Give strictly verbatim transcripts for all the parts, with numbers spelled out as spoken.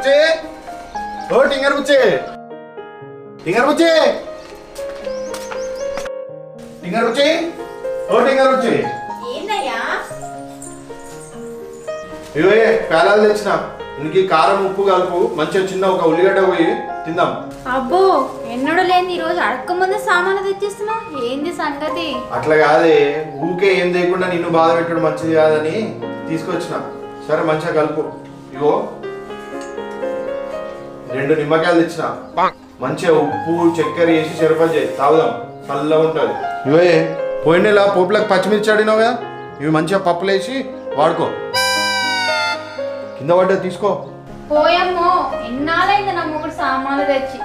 బుచ్చి ఓ టింగర్ బుచ్చి టింగర్ బుచ్చి టింగర్ బుచ్చి ఓ టింగర్ బుచ్చి ఏందయ్యా ఇవే పేలాలు తెచ్చిన ఇందుకు కారం ఉప్పు కలుపు మంచిగా చిన్న ఒక ఉల్లిగడ్డ పోయి తిందాం. అబ్బో ఎన్నడూ లేని ఈ రోజు అడక్క ముందు సామాన్లు తెచ్చిస్తున్నావు, ఏంది సంగతి? అట్లా కాదే, ఊకే ఏం చేయకుండా నిన్ను బాధ పెట్టడం మంచిది కాదని తీసుకొచ్చిన. సరే మంచిగా కలుపు. ఇగో రెండు నిమ్మకాయలు తెచ్చిన, మంచిగా ఉప్పు చక్కెర వేసి చెరపలు చేయి, తాగుదాం, చల్లగా ఉంటుంది. ఇవే పోయిన నెల పోపులకు పచ్చిమిర్చి ఆడినావు కదా, ఇవి మంచిగా పప్పులు వేసి వాడుకో. కింద పడ్డా తీసుకో. పోయమ్మో ఎన్నాళ్ళైంది నా మూడు సామాన్లు తెచ్చి.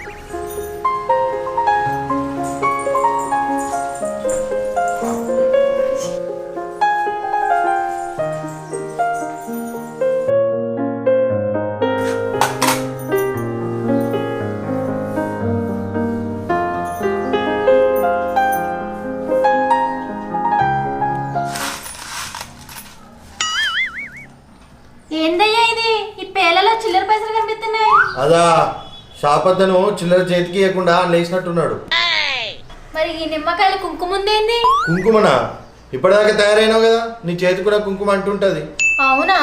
ఏందయ్యా ఇది? ఈ పేలలో చిల్లర పైసలు కనిపిస్తున్నాయి. అదా షాపద్దను చిల్లర చేతికి ఇవ్వకుండా లేచినట్టున్నాడు. మరి ఈ నిమ్మకాయలు కుంకుమ ఉందేంది? కుంకుమనా? ఇప్పటిదాకా తయారైనావు కదా, నీ చేతి కూడా కుంకుమ అంటుంటది. అవునా?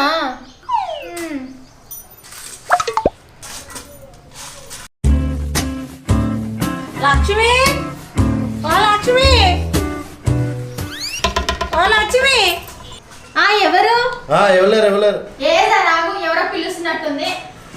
లక్ష్మి ఓ లక్ష్మి ఓ లక్ష్మి ఆ ఎవరు? ఆ ఎవలేరు ఎవలేరు. ఏదా రాగు, ఎవరో పిలుస్తున్నట్టుంది.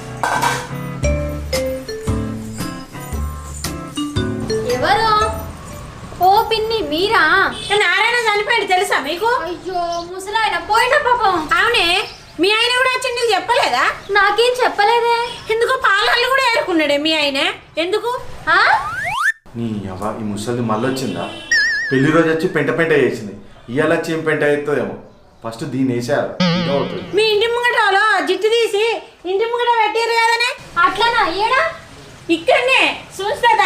ఎవరు? ఓ పిన్ని మీరా? నారాయణ చనిపోయాడు తెలుసా మీకు? అయ్యో ముసలాయన పోయిన పాపం. అవునే, మీ ఆయన కూడా వచ్చి నీకు చెప్పలేదా? నాకేం చెప్పలేదే. ఎందుకు పాలలు కూడా ఏరుకున్నాడే మీ ఆయన? ఎందుకు? ఆ నీ అవ్వ ఈ ముసలి మళ్ళొచ్చిందా? పెళ్లి రోజు వచ్చి పెంట పెంట చేసింది, ఇవాళ వచ్చి ఏం పెంట అవుతుందేమో. ఫస్ట్ దీన్ని వేసారు. మీ ఇంటి ముంగటలో జిట్టు తీసి ఇంటి ముంగట పెట్టారు కదనే. అట్లానా? అయ్యాడా? ఇక్కడనే చూస్తుందా?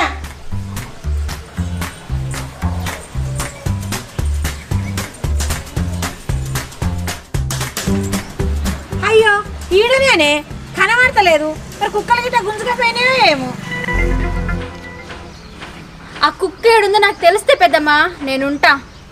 అయ్యో ఈడనేనే కనబడతలేదు. మరి కుక్కల గిట్ట గుంజుకపోయినావో ఏమో. ఆ కుక్క ఏడుందో నాకు తెలిస్తే పెద్దమ్మా నేనుంటా.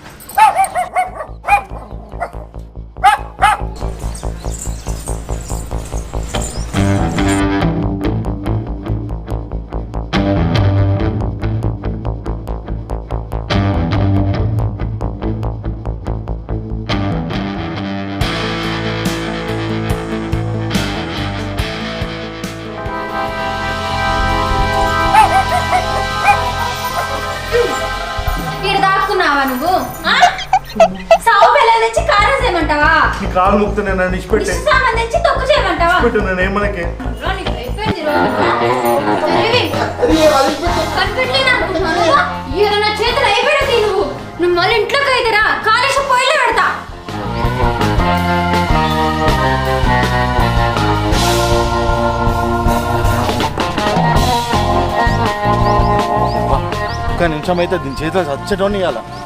నువ్వు సావు పిల్లలు తెచ్చి కారం చేయమంటావా? నీ కాలు ముక్త నేను నిష్పెట్టే సామాన్ తెచ్చి తొక్కు చేయమంటావా? పెట్టు నేను ఏమనకే నా చేతులు అయిపోయాడు. నువ్వు నువ్వు మళ్ళీ ఇంట్లోకి అయితేరా కాలేసి పొయ్యిలో పెడతా. ఒక్క నిమిషం అయితే దీని చేతిలో చచ్చటోని ఇవ్వాల.